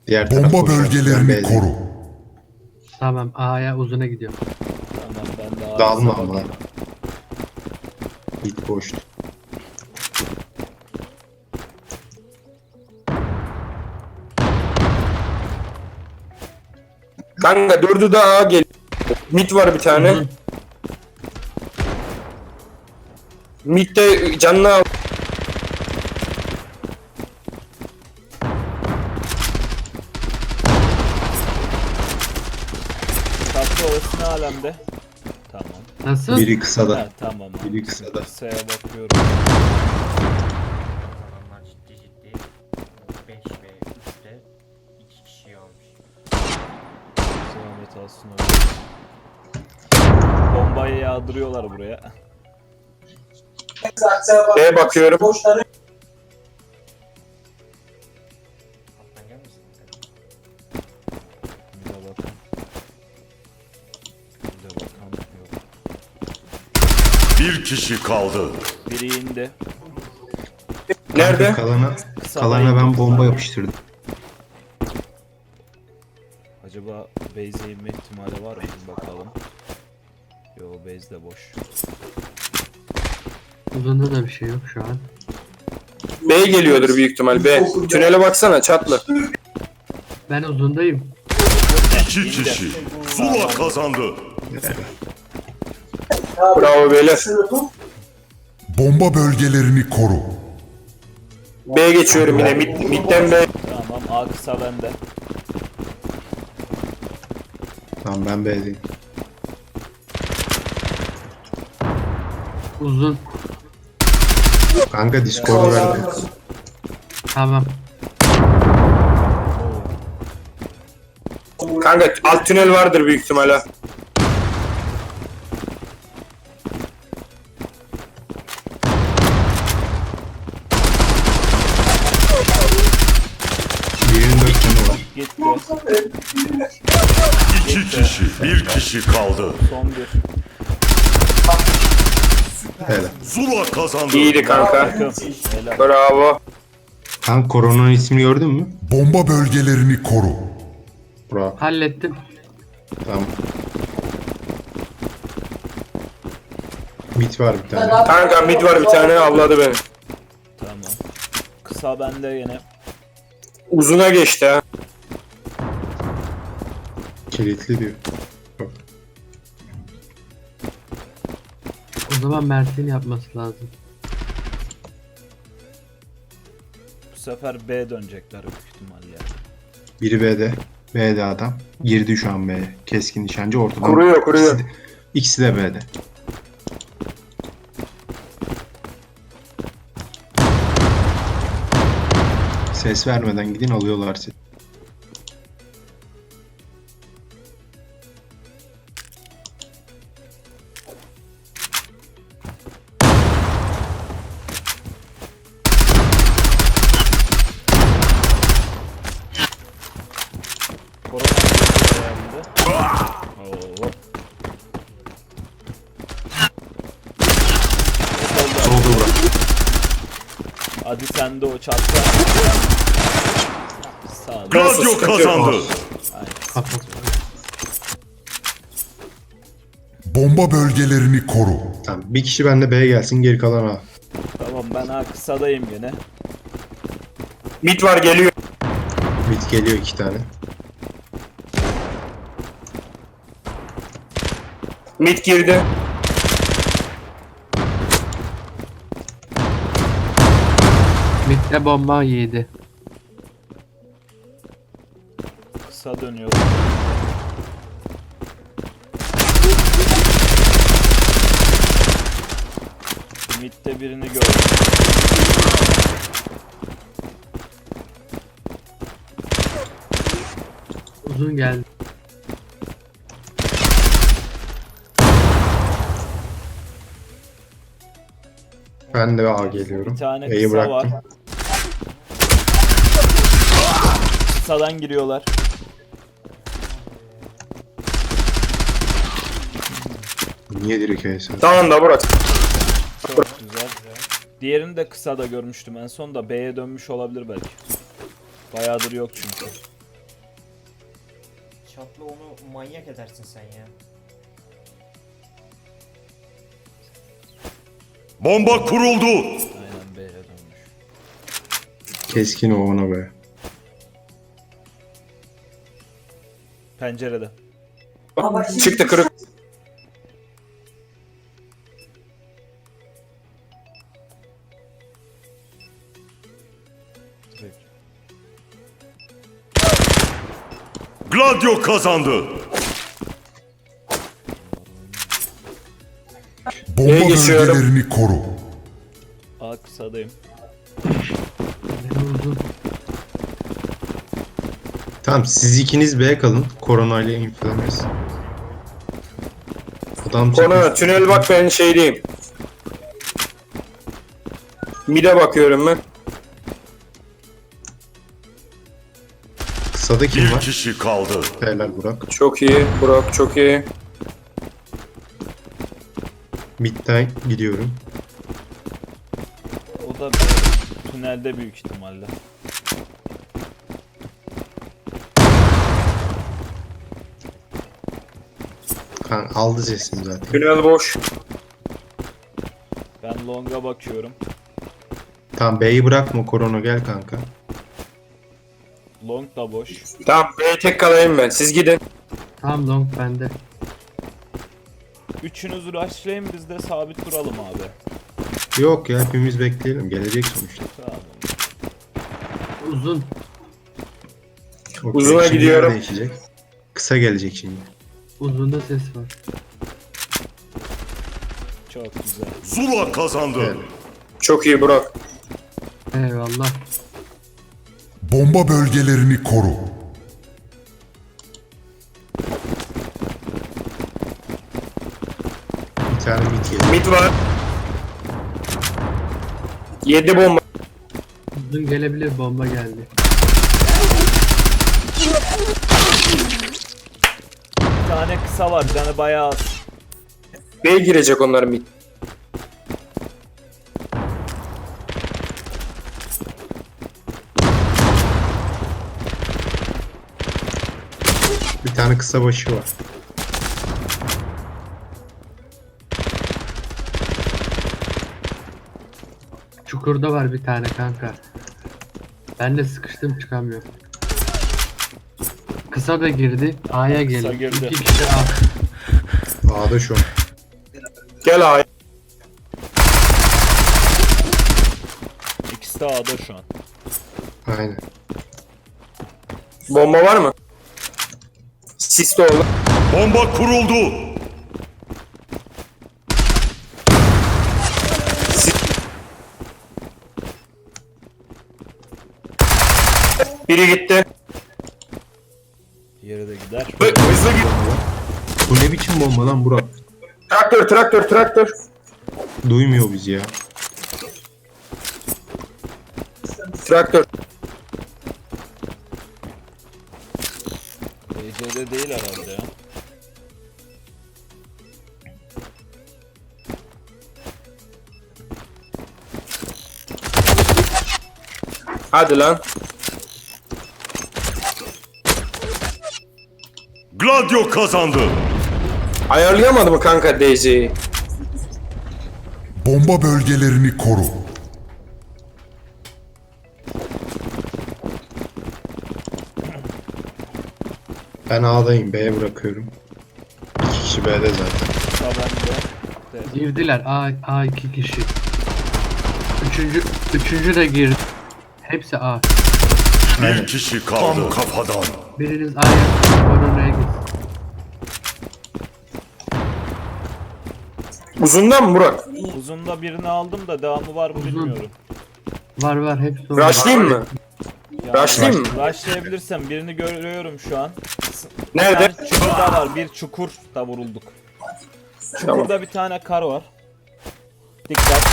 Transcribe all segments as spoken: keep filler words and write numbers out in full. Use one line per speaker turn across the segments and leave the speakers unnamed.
Diğer taraf
Bomba
boş. Ben
bölgelerini
B'deyim.
koru.
Tamam, A'ya uzuna gidiyorum.
Tamam ben de
Dağılma
ağzına
ama.
bakayım.
Mid boştu.
Kanka dördü de A gel. Mid var bir tane.
Uzun.
Mid'de canını al.
Tatlı orası ne alemde? Tamam.
Nasıl?
Biri kısa da.
Ha, tamam abi.
Biri kısa da.
Kısaya bakıyorum.
Adamlar ciddi ciddi beş ve üçte iki kişi almış.
Zahmet alsın öyle. Bombayı yağdırıyorlar buraya.
B'ye bakıyorum.
Alttan gelmesin.
Bir de bakalım. Bir de bakalım. Yok.
Bir kişi kaldı.
Biri indi.
Nerede?
Kalana,
Kısa
kalana
da
ben
indi.
bomba yapıştırdım.
Acaba base'e inme ihtimali var mı? Bakalım. Yo, base de boş.
Uzunda da bir şey yok şu an.
B geliyordur büyük ihtimal. B. Tünele baksana çatlı.
Ben uzundayım.
İki kişi. Zula kazandı.
Bravo beyler.
Bomba bölgelerini koru.
B geçiyorum yine. Mid, midden B.
Tamam, A kısa bende.
Tamam ben B'deyim.
Uzun.
Kanka Discord'u verdi.
Tamam.
Kanka alt tünel vardır büyük ihtimal ha.
Birinin dört canı var.
Gitti.
İki kişi. Bir kişi kaldı.
Son bir.
Hele.
Zula kazandı.
İyiydi kanka.
Takım. Helal.
Bravo.
Kanka koronanın ismini gördün mü?
Bomba bölgelerini koru.
Bravo.
Hallettim.
Tamam. Mid var bir tane.
Kanka mid var bir tane avladı beni.
Tamam. Kısa bende yine.
Uzuna geçti ha.
Kilitli diyor.
O zaman Mert'in yapması lazım.
Bu sefer B dönecekler büyük ihtimalle.
Biri B'de. B'de adam. Girdi şu an B'ye. Keskin nişancı ortadan.
Kuruyor, kuruyor.
İkisi de, ikisi de B'de. Ses vermeden gidin alıyorlar sizi.
Korona geldi. Oo.
Solda bırak.
Hadi sen de o çatka. Sağ ol.
Radyo kazandı.
Kapat.
Bomba bölgelerini koru.
Tamam. Bir kişi bende B'ye gelsin geri kalan A.
Tamam, ben ha kısadayım yine.
Mid var geliyor.
Mid geliyor iki tane.
Mid girdi.
Mid'de bomba yedi.
Kısa dönüyor. Mid'de birini gördüm.
Uzun geldi.
Ben de A geliyorum.
Bir tane
B'yi
kısa
bıraktım.
var. Kısadan giriyorlar.
Niye direkt A'ya sen?
Tamam da bırak.
Çok güzel. Diğerini de kısa da görmüştüm en son da B'ye dönmüş olabilir belki. Bayağıdır yok çünkü.
Tatlı onu manyak edersin sen ya.
Bomba kuruldu.
Aynen B'ye dönmüş.
Keskin o ona be.
Pencerede.
Çıktı kırık.
Direkt.
Gladio kazandı. Bomba
Neye geçiyorum?
bölgelerini koru.
A kısadayım.
Biri uzun.
Tamam siz ikiniz B'ye kalın. Koronayla inflamez. Adam
Konu
çıkmış.
tünel bak ben şeydeyim. Mide bakıyorum ben.
Kısada kim
Bir
var?
kişi kaldı.
Helal Burak.
Çok iyi Burak, çok iyi.
Mid'den gidiyorum.
O da B. Tünelde büyük ihtimalle.
Kan aldı sesim zaten.
Tünel boş.
Ben long'a bakıyorum.
Tamam B'yi bırakma korona gel kanka.
Long da boş.
Tamam B'ye tek kalayım ben. Siz gidin.
Tamam long bende.
Üçünüz rushlayın, biz de sabit duralım abi.
Yok ya hepimiz bekleyelim. Gelecek sonuçta.
Tamam.
Uzun.
Okey,
Uzuna
şimdi
gidiyorum.
yer değişecek. Kısa gelecek şimdi.
Uzunda ses var.
Çok güzel.
Zula kazandı.
Evet.
Çok iyi Burak.
Eyvallah.
Bomba bölgelerini koru.
Bir tane mid geliyor.
Mid var. Yedi bomba.
Uzun gelebilir, bomba geldi.
Bir tane kısa var, canı bayağı az.
B'ye girecek onlar mid.
Bir tane kısa başı var.
Çukurda var bir tane kanka. Ben de sıkıştım, çıkamıyorum. Kısa da girdi. A'ya geliyor.
girdi.
İki kişi A.
A'da şu an.
Gel A'ya.
İkisi de A'da şu an.
Aynen.
Bomba var mı? Sis de oldu.
Bomba kuruldu.
Biri gitti.
Diğeri de gider.
Hı- Hızlı git.
Bu ne biçim bomba lan Burak?
Traktör, traktör, traktör.
Duymuyor bizi ya.
Traktör.
B C'de değil herhalde ya.
Hadi lan.
Gladio kazandı.
Ayarlayamadı mı kanka Daisy'yi?
Bomba bölgelerini koru.
Ben A'dayım. B'ye bırakıyorum. İki kişi B'de zaten.
Kısa bende. De.
Girdiler. A, A iki kişi. Üçüncü, üçüncü de girdi. Hepsi A.
Bir kişi kaldı. Tam kafadan.
Biriniz A'ya, koronaya gitsin.
Uzundan mı Burak?
Uzunda birini aldım da devamı var mı
Uzun.
bilmiyorum.
Var var, hepsi orada.
Rushlayayım mı?
Yani
Rushlayayım mı?
Rushlayabilirsem birini görüyorum şu an.
Nerede?
Bir tane çukurda var. Bir çukur da vurulduk.
Tamam.
Burada bir tane kar var. Dikkat.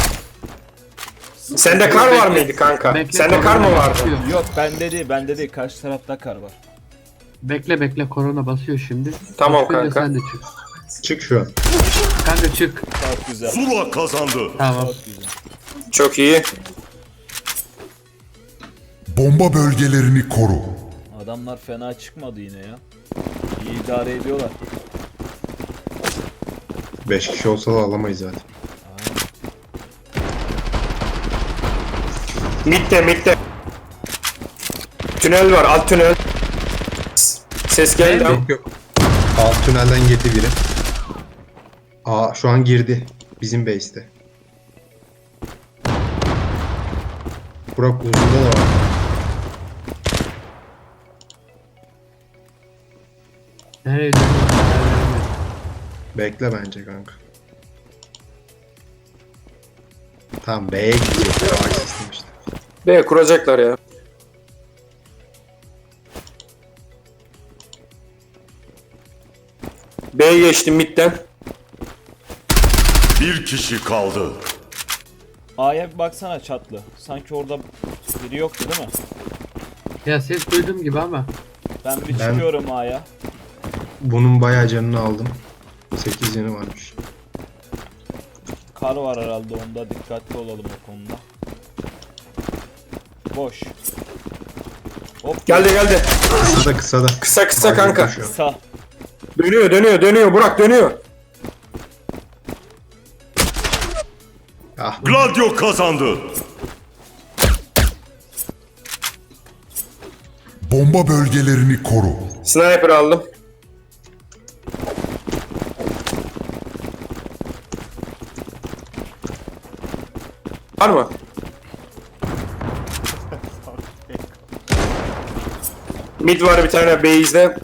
Sende kar var mıydı kanka?
Bekle,
Sende kar mı
korona
vardı?
basıyor.
Yok bende değil, bende değil. Karşı tarafta kar var.
Bekle bekle, korona basıyor şimdi.
Tamam
Basınca
kanka.
Sen de çık.
Çık şu an.
Kanka çık.
Çok güzel.
Zula kazandı.
Tamam.
Çok güzel.
Çok iyi.
Bomba bölgelerini koru.
Adamlar fena çıkmadı yine ya. İyi idare ediyorlar.
beş kişi olsa da alamayız zaten.
Mid'de mid'de. Tünel var, alt tünel. Ses geldi ama.
Yok yok. Alt tünelden girdi biri. Aa şu an girdi. Bizim base'te. Burak uzunda da var.
Nereye dönüyor?
Bekle bence kanka. Tamam B'ye gidecekler. A sistem işte.
B kuracaklar ya. B'ye geçtim mid'den.
Bir kişi kaldı.
A'ya bir baksana çatlı. Sanki orada biri yoktu değil mi?
Ya ses duydum gibi ama.
Ben bir
Ben-
çıkıyorum A'ya.
Bunun bayağı canını aldım. sekiz canı varmış.
Kar var herhalde onda. Dikkatli olalım o konuda. Boş. Hop.
Geldi geldi.
Kısa da kısa da.
Kısa kısa
Baygın
kanka.
koşuyor.
Sağ.
Dönüyor dönüyor dönüyor Burak dönüyor.
Ah
Gladio kazandı.
Bomba bölgelerini koru.
Sniper aldım. Var mı? Mid var bir tane base'de.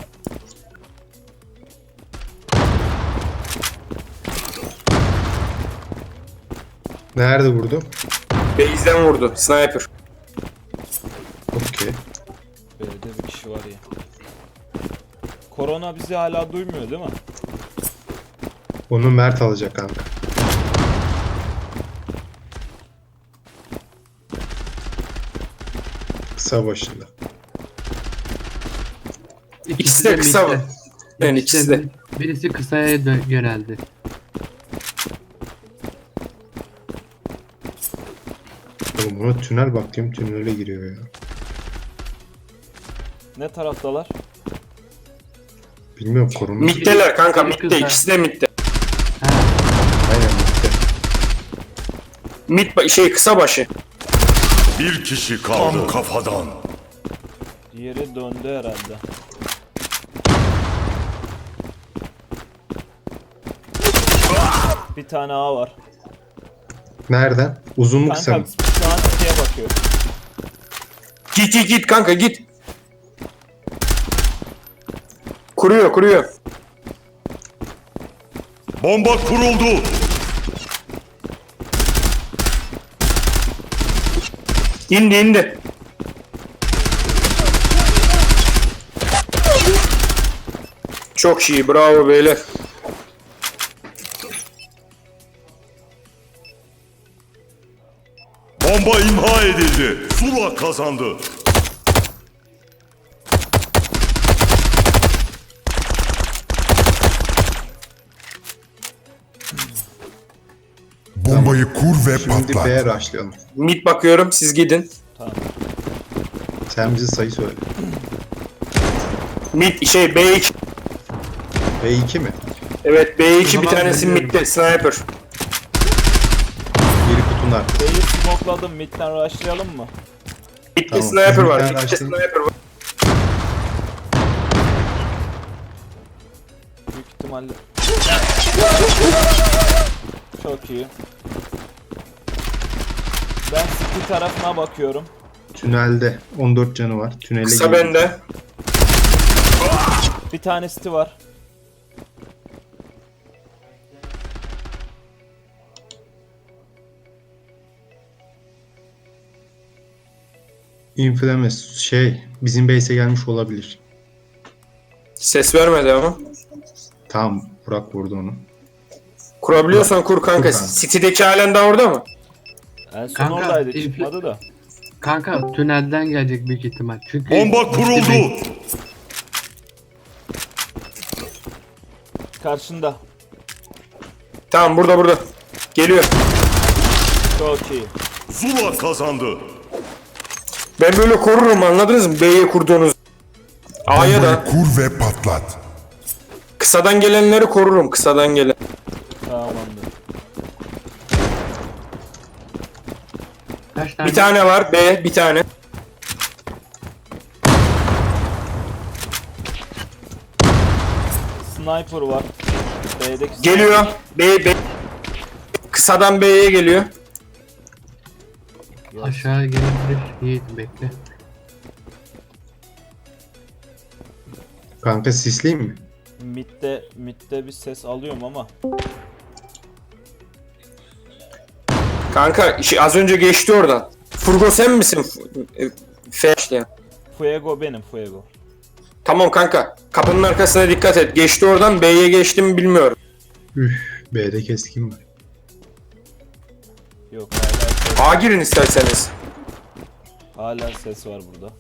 nerede vurdu?
Base'den vurdu. Sniper.
Okey.
B'de bir kişi var ya. Korona bizi hala duymuyor değil mi?
Onu Mert alacak kanka. Kısa başında.
İkisi de kısa
midde.
mı? Yani ikisi de.
Birisi kısaya dö- yöneldi.
Oğlum buna tünel bakayım, tünele giriyor ya.
Ne taraftalar?
Bilmiyorum korunmuş.
Mid'deler kanka
Biri
mid'de.
kısa.
İkisi de mid'de.
Aynen bitti.
Mid ba- şey kısa başı.
Bir kişi kaldı. Tam kafadan.
Diğeri döndü herhalde. Bir tane A var.
Nereden? Uzun mu kısa
Kanka
mı?
şu an C'ye bakıyor.
Git git git kanka git. Kuruyor kuruyor.
Bomba kuruldu.
İndi indi. Çok iyi bravo beyler.
Bomba imha edildi. Zula kazandı.
Bombayı kur ve
Şimdi
patlat.
B'ye rushlayalım.
Mid bakıyorum siz gidin.
Tamam.
Sen bize sayı söyle.
Mid şey B iki.
B iki mi?
Evet B iki
O
bir
zaman
tanesi
dönüyorum.
midde sniper.
Biri kutunun arkası.
B'yi smokeladım. Mid'den rushlayalım mı?
Midde
Tamam,
sniper
bizim bir
var.
tane
Midde
açtım.
sniper var.
Büyük ihtimalle. Çok iyi. Ben city tarafına bakıyorum.
Tünelde on dört canı var. Tünele
Kısa
giriyor.
bende.
Bir tane city var.
Inflames şey bizim base'e gelmiş olabilir.
Ses vermedi ama.
Tamam Burak vurdu onu.
Kurabiliyorsan kur kanka.
Kur kanka.
City'deki halen daha orada mı?
En son
Kanka,
oradaydı.
infl-
Çıkmadı da.
Kanka tünelden gelecek büyük ihtimal. Çünkü
Bomba kuruldu.
Karşında.
Tamam burada burada. Geliyor.
Çok iyi.
Zula kazandı.
Ben böyle korurum anladınız mı? B'ye kurduğunuz. A'ya
Bombayı
da.
kur ve patlat.
Kısadan gelenleri korurum. Kısadan gelen.
Tamamdır.
Kaç tane?
Bir tane var. B bir tane.
Sniper var. B'deki
Geliyor. B, B. Kısadan B'ye geliyor.
Aşağı gelebilir. Yiğit bekle.
Kanka sisleyeyim mi?
Mid'de, mid'de bir ses alıyorum ama.
Kanka şey, az önce geçti oradan. Furgo sen misin? F- e, F işte.
Fuego benim, Fuego.
Tamam kanka. Kapının arkasına dikkat et. Geçti oradan. B'ye geçti mi bilmiyorum.
Üf, B'de keskin var.
Yok hala ses,
A girin isterseniz.
hala ses var burada.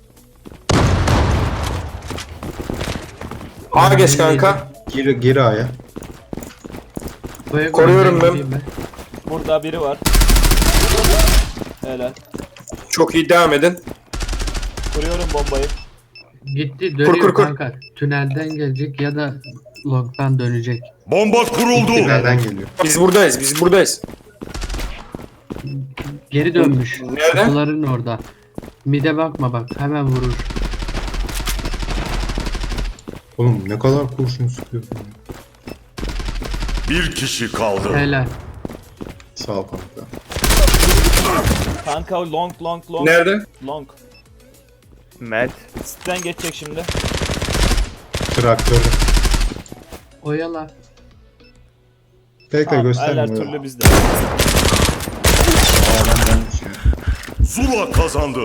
A geç kanka.
Gir, gir A'ya.
Buraya
Koruyorum ben.
gideyim
Burada biri var. Helal.
Çok iyi devam edin.
Kuruyorum bombayı.
Gitti dönüyor
kur, kur.
kanka. Tünelden gelecek ya da long'dan dönecek.
Bomba kuruldu.
Nereden geliyor?
Biz buradayız. Biz buradayız.
Geri dönmüş.
Nerede?
Kutuların orada. Mide bakma bak hemen vurur.
Oğlum ne kadar kurşun sıkıyorsun ya.
Bir kişi kaldı.
Helal.
Sağ ol kanka.
Kanka long long long.
Nerede?
Long.
Mert.
Sitten geçecek şimdi.
Traktörü.
Oyala.
Bekle
Tamam, her
göstermiyor.
türlü bizde.
Zula kazandı.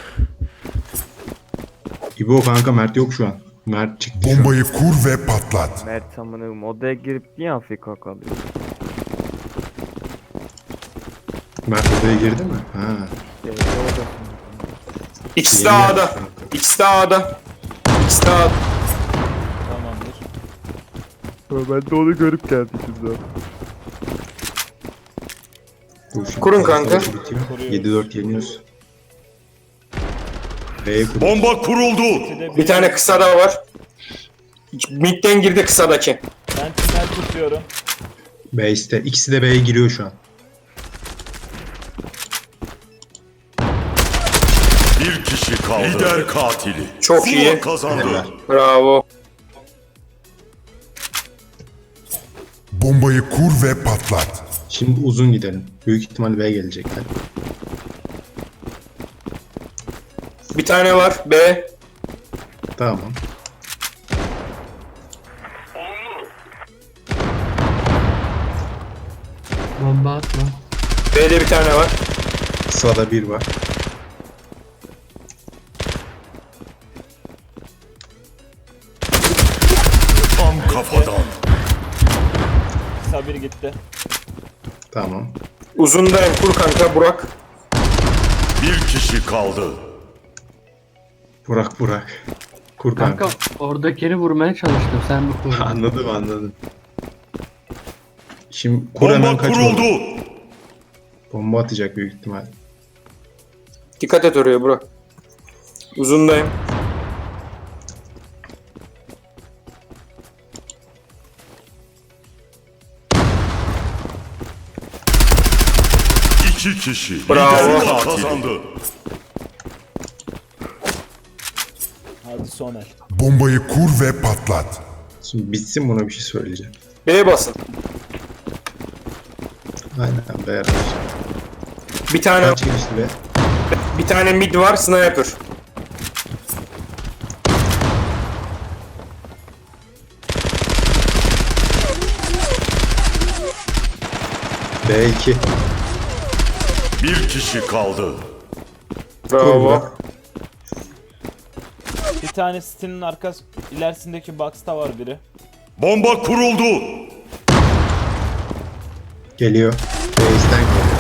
İbo kanka Mert yok şu an. Mert çıktı şu an.
Bombayı kur ve patlat.
Mert amınım odaya girip niye Afrika kalıyor?
Mert odaya girdi mi? Ha.
Evet, orada.
İkisi de
Yeni
A'da.
gelmiş kanka.
İkisi de A'da. İkisi de A'da.
Tamamdır.
Ben de onu görüp geldim şimdi.
Dur şimdi
Kurun
savaş
kanka.
bitiyor.
Kuruyoruz.
yedi dört yeniyoruz. B'ye kur.
Bomba kuruldu.
de
Bir tane kısa da var. Mid'den girdi kısadaki.
Ben tünel tutuyorum.
Base'te. İkisi de B'ye giriyor şu an.
Bir kişi kaldı. Lider katili.
Çok
Zula
iyi.
kazandı.
Helal.
Bravo.
Bombayı kur ve patlat.
Şimdi uzun gidelim. Büyük ihtimal B gelecekler.
Bir tane var. B.
Tamam.
Bomba atma.
B'de bir tane var.
Sağda bir var.
Tam kafadan.
Sabir gitti.
Tamam.
Uzundayım. Kur kanka Burak.
Bir kişi kaldı.
Burak Burak. Kur kanka.
Kanka oradakini vurmaya çalıştım sen bu kur.
Anladım anladım. Şimdi kur hemen
Bomba
kaç
kuruldu.
oldu? Bomba atacak büyük ihtimal.
Dikkat et oraya Burak. Uzundayım.
İki kişi.
Bravo.
Lider kazandı.
Hadi Soner.
Bombayı kur ve patlat.
Şimdi bitsin buna bir şey söyleyeceğim.
B'ye basın.
Aynen B araç.
Bir tane
Kaç geçti be?
bir tane mid var. Sniper.
B iki.
Bir kişi kaldı.
Kur
Bravo.
Burak.
Bir tane City'nin arkası ilerisindeki box'ta var biri.
Bomba kuruldu.
Geliyor. Base'den geliyor.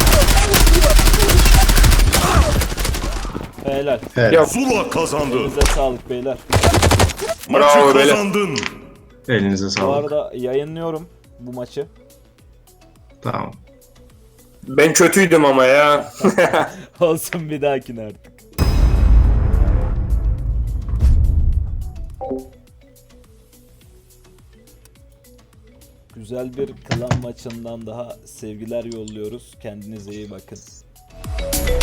Helal.
Evet.
Ya
Zula kazandı.
Elinize sağlık beyler.
Bravo
Maçı
beyler.
kazandın.
Elinize
Bu
sağlık.
arada yayınlıyorum bu maçı.
Tamam.
Ben kötüydüm ama ya.
Olsun bir dahakine artık. Güzel bir klan maçından daha sevgiler yolluyoruz. Kendinize iyi bakın.